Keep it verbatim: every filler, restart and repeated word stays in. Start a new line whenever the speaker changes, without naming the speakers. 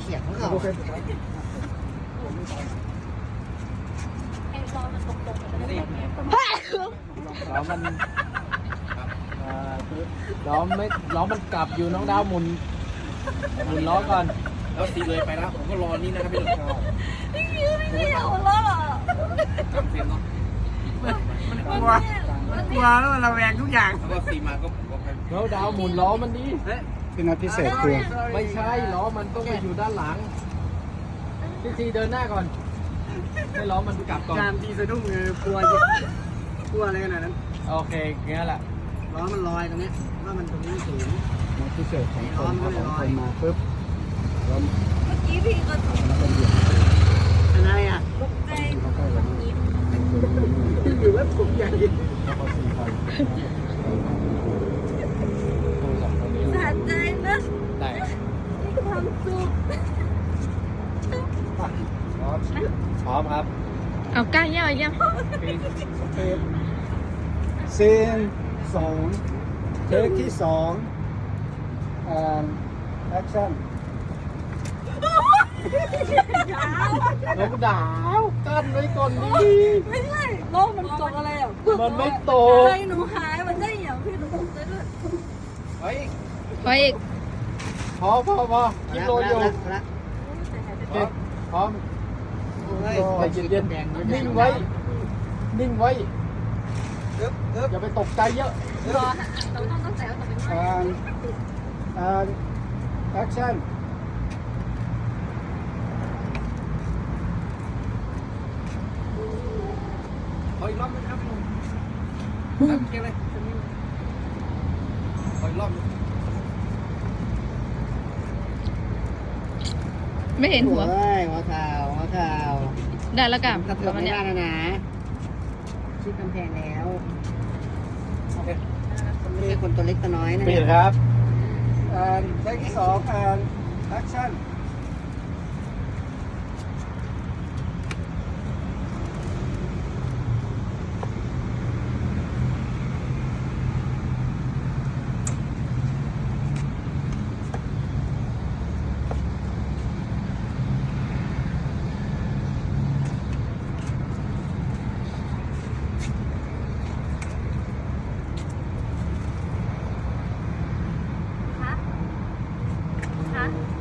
เขียงของเขา
ไอ้รอมันตรงๆมันจะได้แบบนี้
ล้อมันล้อไม่ล้อมันกลับอยู่น้องดาวหมุนหมุนล้อก่อน
แล้วตีเลยไปแล้วผมก็รอนี่นะครับพี่หนุ่ม
พี่คิวไม่ได้เอาล้อ
ตามเฟรมเนาะ
กลัวกลัวแล้วมันระแวงทุกอย่าง
แล้วก็ซีมาก็ผมก็ไป
น้องดาวหมุนล้อมันดิ
พี่นัทพิเศษคือ
ไม่ใช่ล้อมันต้องไปอยู่ด้านหลังพี่ซีเดินหน้าก่อนให้ล้อมันกลับก่อน
การทีสะดุ้งคือกลัวกลัวอะไรขนาดนั้น
โอเคงั้นแหละ
ล้อมันลอยตรงนี้ว่ามันตรงนี้สูง
นัทพิเศษของคนถ้าของคนมาปุ๊บแล้ว
เมื่อกี้พี่ก็
แล้วก็เหยียบ
อะไรอ่ะ
ตกใจ
แล้วก็อย่างนี้
อยู่ว่าผมใหญ่
แล้วก็สี่พันโทรศัพท์ตัวนี้
สะใจนะ
ได้
มีความสุข
พร้อม
พร้อมครับ
เอาใกล้เยี่ยมเยี่ยม
สเปซซีนสองเทคที่สองอ่าแอคชั่น
น้องดาวกั้นไว้ก่อนดิ
ไม่ใช่โลกมันตกอะไรอ่ะ
มันไม่โต
ใจหนูหายมันได้อย่างพี่หนูตกใจด้วย
เฮ้ย
ไปอีก
พอพอพอคิดโลอยู่
ละ
โอเคพร้อมใจเย็นเย็นๆนิ่งไว้ นิ่งไว้อย่าไปตกใจเยอะ
รอเราต้องตั้งใจว่าจะเป็นว่า
อ่าอ่าแอคชั่น
ขออีกรอบนึงครับพี่หนุ่มตั้งเกมเลยขออีกรอบนึง
ไม่เห็นหัว
เฮ้ยหัวข่าวหัวข่าว
ได้แล้วกับ
กระเทื
ป
อ
ระ
น
มาณ
ไม่
เนี้ย
ได้แล้วนะชิดกำแพงแล้ว
โอเค
ไม่ใช่คนตัวเล็กตัวน้อยนะ
ปิดครับ
อ่าเทคที่สองอ่าแอคชั่น
คะคะ